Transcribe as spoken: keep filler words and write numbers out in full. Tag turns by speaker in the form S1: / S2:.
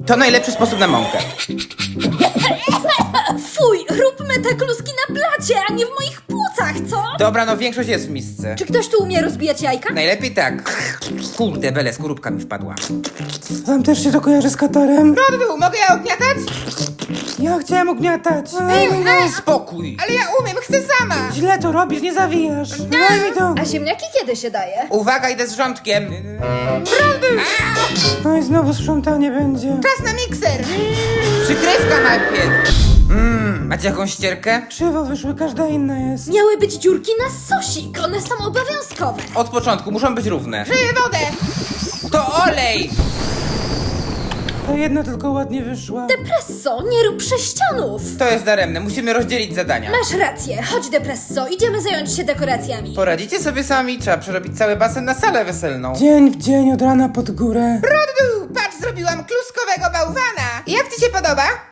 S1: To najlepszy sposób na mąkę.
S2: Fuj, róbmy te kluski na blacie, a nie w moich płucach, co?
S1: Dobra, no większość jest w misce.
S2: Czy ktoś tu umie rozbijać jajka?
S1: Najlepiej tak. Kurde, bele, skorupka mi wpadła.
S3: Wam też się to kojarzy z katarem?
S1: Rodu, mogę ja ogniatać?
S3: Ja chciałem ugniatać.
S1: Ej, ej, spokój. Ale ja umiem, chcę sama.
S3: Źle to robisz, nie zawijasz. Daj mi to.
S2: A ziemniaki kiedy się daje?
S1: Uwaga, idę z rządkiem.
S3: No i znowu sprzątanie będzie.
S1: Czas na mikser. Przykrywka najpierw. Mmm, macie jakąś ścierkę?
S3: Krzywo wyszły, każda inna jest.
S2: Miały być dziurki na sosik, one są obowiązkowe.
S1: Od początku, muszą być równe. Żyję wodę. To olej.
S3: Ta jedna tylko ładnie wyszła.
S2: Depresso, nie rób prześcianów.
S1: To jest daremne, musimy rozdzielić zadania.
S2: Masz rację, chodź Depresso, idziemy zająć się dekoracjami.
S1: Poradzicie sobie sami, trzeba przerobić cały basen na salę weselną.
S3: Dzień w dzień, od rana pod górę.
S1: Rodu, patrz, zrobiłam kluskowego bałwana. Jak ci się podoba?